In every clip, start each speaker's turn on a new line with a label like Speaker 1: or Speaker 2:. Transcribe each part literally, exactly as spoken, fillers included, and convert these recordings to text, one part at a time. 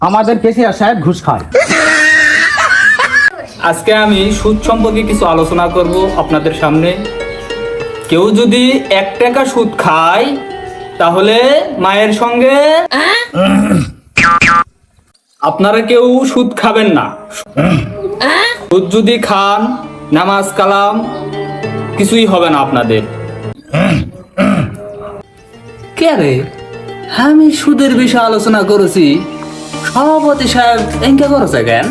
Speaker 1: আমাদের কেসিয়ার সাহেব ঘুষ খায়।
Speaker 2: আজকে আমি সুদ সম্পর্কে কিছু আলোচনা করব আপনাদের সামনে। কেউ যদি এক টাকা সুদ খায় তাহলে মায়ের সঙ্গে আপনারা কেউ সুদ খাবেন না। সুদ যদি খান নামাজ কালাম কিছুই হবে না আপনাদের। কে রে, আমি সুদের বিষয়ে আলোচনা করেছি, সভাপতি সাহেব এঙ্কা করেছে কেন?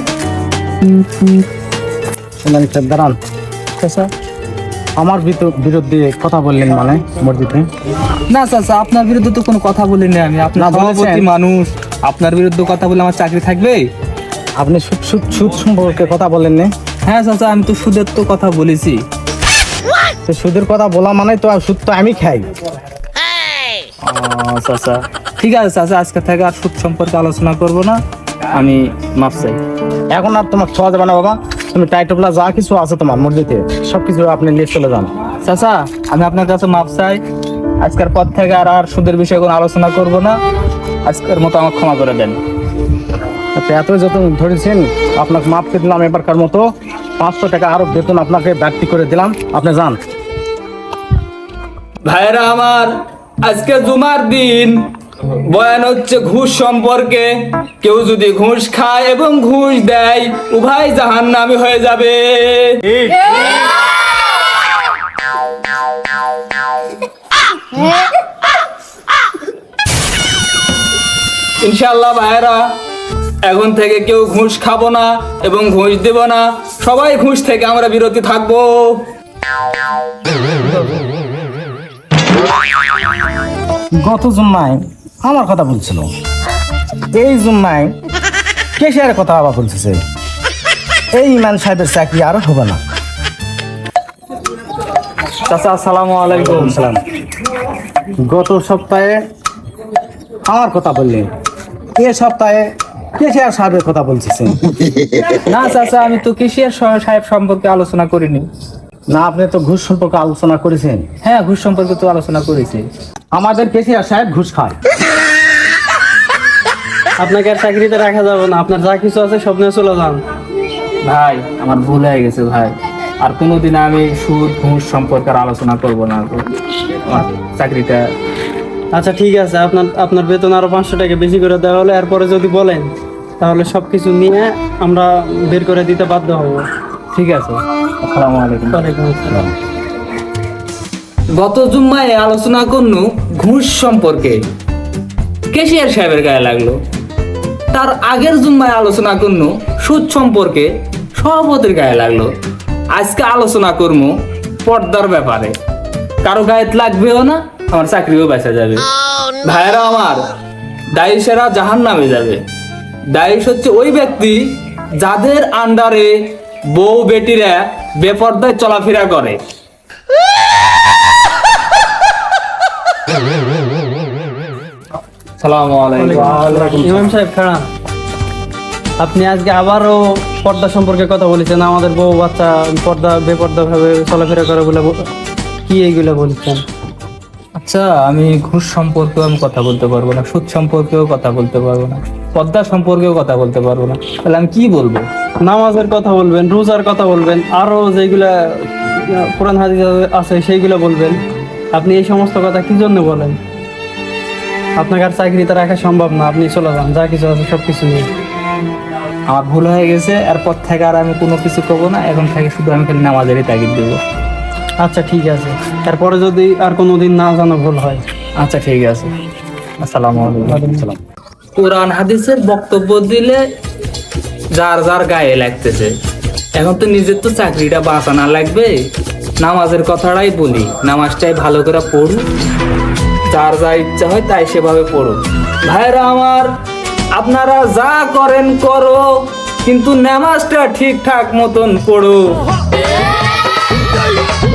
Speaker 1: দাঁড়ান, আমার বিরুদ্ধে কথা বললেন মানে মসজিদে?
Speaker 2: না চাচা, আপনার বিরুদ্ধে তো কোনো কথা বলিনি আমি। আপনার সভাপতি মানুষ, আপনার বিরুদ্ধে কথা বলে আমার চাকরি থাকবে?
Speaker 1: আপনি সুদ সুদ সুদ সম্পর্কে কথা বলেন না?
Speaker 2: হ্যাঁ চাচা, আমি তো সুদের তো কথা বলেছি।
Speaker 1: তো সুদের কথা বলা মানে তো সুদ তো আমি খাই।
Speaker 2: চাচা ঠিক আছে চাচা, আজকে থেকে আর সুদ সম্পর্কে আলোচনা করব না, আমি মাফ চাই।
Speaker 1: এখন আর তোমার ছোঁয়া যাবে না বাবা। তুমি টাইটলা যা কিছু আছে তোমার মসজিদে সবকিছু আপনি নিয়ে চলে যান।
Speaker 2: চাচা আমি আপনার কাছে মাফ চাই, আজকের পর থেকে আর আর সুদের বিষয়ে কোনো আলোচনা করব না। আজকের মতো আমাকে ক্ষমা করে দেন।
Speaker 1: আচ্ছা, এত যত ধরেছেন আপনাকে মাফ করে দিলাম। এবারকার মতো পাঁচশো টাকা আরো বেতন আপনাকে বাড়তি করে দিলাম, আপনি যান।
Speaker 2: ভাইরা আমার, আজকে জুমার দিন বয়ান হচ্ছে ঘুষ সম্পর্কে। কেউ যদি ঘুষ খায় এবং ঘুষ দেয় উভয় জাহান্নামী হয়ে যাবে। ইনশাআল্লাহ ভাইরা, এখন থেকে কেউ ঘুষ খাবো না এবং ঘুষ দেব না। সবাই ঘুষ থেকে আমরা বিরতি থাকবো।
Speaker 1: গত জুম্মায় আমার কথা বলছিল, এই জুম্মায় কেশিয়ারের কথা আবার বলতেছে। এই ইমান সাহেবের চাকরি আরো হবে না।
Speaker 2: চাচা আসসালামু আলাইকুম।
Speaker 1: সালাম। গত সপ্তাহে আমার কথা বললেন, এ সপ্তাহে কেশিয়ার সাহেবের কথা বলতেছেন।
Speaker 2: না চাচা, আমি তো কেশিয়ার সাহেব সম্পর্কে আলোচনা করিনি।
Speaker 1: না, আপনি তো ঘুষ সম্পর্কে আলোচনা করেছেন।
Speaker 2: হ্যাঁ, ঘুষ সম্পর্কে তো আলোচনা করেছি।
Speaker 1: আমাদের কেশিয়ার সাহেব ঘুষ খায়।
Speaker 3: আপনাকে আর চাকরিতে রাখা যাবে না, আপনার যা কিছু আছে সব নিয়ে চলে যান।
Speaker 2: ভাই আমার ভুল হয়ে গেছে ভাই, আর কোনোদিন আমি সুদ ঘুষ সম্পর্কে আর আলোচনা করবো না। আমার চাকরিটা।
Speaker 3: আচ্ছা ঠিক আছে, আপনার আপনার বেতন আরো পাঁচশো টাকা বেশি করে দেওয়া হলে এরপরে যদি বলেন তাহলে সবকিছু নিয়ে আমরা বের করে দিতে বাধ্য হব।
Speaker 2: ঠিক আছে, আসসালামু আলাইকুম।
Speaker 3: ওয়ালাইকুম আসসালাম।
Speaker 2: গত জুম্মায় আলোচনা করনু ঘুষ সম্পর্কে, কেশিয়ার সাহেবের গায়ে লাগলো। তার আগের জুম্মায় আলোচনা করনু সুদ সম্পর্কে, সভাপতির গায়ে লাগলো। আজকে আলোচনা করবো পর্দার ব্যাপারে, কারো গায়ে লাগবেও না, আমার চাকরিও বেঁচে যাবে। ভাইরা আমার, দায়ীশেরা জাহান নামে যাবে। দায়ীশ হচ্ছে ওই ব্যক্তি যাদের আন্ডারে বউ বেটিরা বেপর্দায় চলাফেরা করে। সালামু আলাইকুম।
Speaker 3: ইমাম সাহেব খারাপ, আপনি আজকে আবারও পর্দা সম্পর্কে কথা বলেছেন। আমাদের বউ বাচ্চা পর্দা বেপর্দা ভাবে চলাফেরা করে বলে কি এইগুলো বলছেন?
Speaker 2: আচ্ছা, আমি ঘুষ সম্পর্কেও আমি কথা বলতে পারবো না, সুদ সম্পর্কেও কথা বলতে পারবো না, পর্দা সম্পর্কেও কথা বলতে পারবো না। তাহলে আমি কি বলবো?
Speaker 3: নামাজের কথা বলবেন, রোজার কথা বলবেন, আরো যেগুলা কোরআন হাদিস আছে সেইগুলো বলবেন। আপনি এই সমস্ত কথা কি জন্য বলেন? আপনাকে আর চাকরিতে রাখা সম্ভব না, আপনি চলে যান, যা কিছু আছে সব কিছু নিয়ে।
Speaker 2: আমার ভুল হয়ে গেছে, এরপর থেকে আর আমি কোনো কিছু করবো না। এখন থেকে শুধু আমি খালি নামাজেরই তাগিদ দেবো।
Speaker 3: আচ্ছা ঠিক আছে, তারপরে যদি আর কোনোদিন না জানো ভুল হয়।
Speaker 2: আচ্ছা ঠিক আছে, আসসালামু আলাইকুম। কোরআন হাদিসের বক্তব্য দিলে যার যার গায়ে লাগতেছে। এখন তো নিজের তো চাকরিটা বাঁচানো লাগবে। নামাজের কথাটাই বলি, নামাজটাই ভালো করে পড়ু, যার যা ইচ্ছা হয় তাই সেভাবে পড়ো। ভাইরা আমার, আপনারা যা করেন করো, কিন্তু নামাজটা ঠিকঠাক মতন পড়ো।